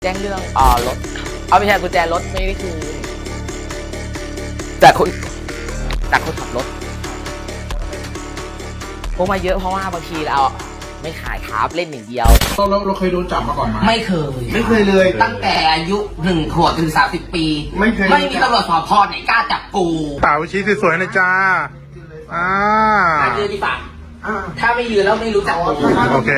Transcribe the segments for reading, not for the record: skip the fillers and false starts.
แจ้งเรื่องรถไม่ใช่กุญแจรถไม่ได้คือแต่คนขับรถพวกมาเยอะเพราะว่าบางทีเราไม่ขายครับเล่นอย่างเดียวเราเคยโดนจับมาก่อนไหมไม่เคยเลยตั้งแต่อายุ1 ขวบถึง30 ปีไม่มีตำรวจสพไหนกล้าจับกูสาวชี้สวยๆนะจ้ายืนดีป่ะถ้าไม่ยืนแล้วไม่รู้จักกูโอเค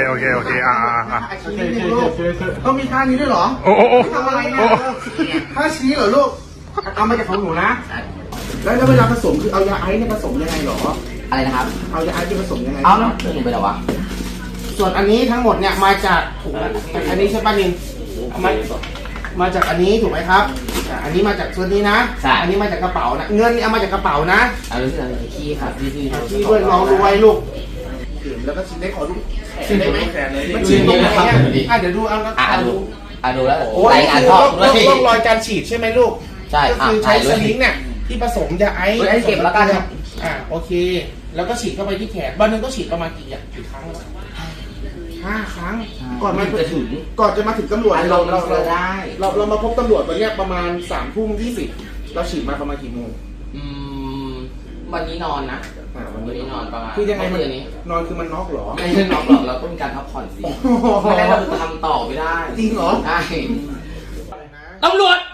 ต้องมีท่านี้ด้วยเหรอโอ้ทำอะไรนะท่าชี้เหรอลูกเอามาจากของหนูนะแล้วเวลาผสมคือเอายาไอซ์เนี่ยผสมยังไงหรออะไรนะครับเอายาไอซ์ผสมยังไงเอาแล้วหนึ่งไปแล้ววะส่วนอันนี้ทั้งหมดเนี่ยมาจากอันนี้ใช่ป่ะนินมาจากอันนี้ถูกไหมครับอันนี้มาจากส่วนนี้นะอันนี้มาจากกระเป๋านะเงินนี่เอามาจากกระเป๋านะเอาเรื่องขี้ครับขี้ด้วยน้องรวยลูกแล้วก็ชิมได้ขอลูกชิมได้ไหมมันชิมตรงไหนเดี๋ยวดูเอาแล้วดูแล้วรายงานชอบต้องรอยการฉีดใช่ไหมลูกใช่ก็คือใช้สลิงเนี่ยที่ผสมยาไอซ์เก็บแล้วกันโอเคแล้วก็ฉีดเข้าไปที่แขนวันนึงก็ฉีดประมาณกี่ครั้ง5 ครั้งก่อนจะมาถึงตำรวจเรามาพบตำรวจวันนี้ประมาณ3:20เราฉีดมาประมาณกี่โมงวันนี้นอนนะวันนี้นอนประมาณคือยังไงมันนอนคือมันน็อกหรอไม่ใช่น็อกหรอกเราต้องมีการพักผ่อนสิไม่ได้เราทำต่อไม่ได้จริงเหรอใช่ตำรวจ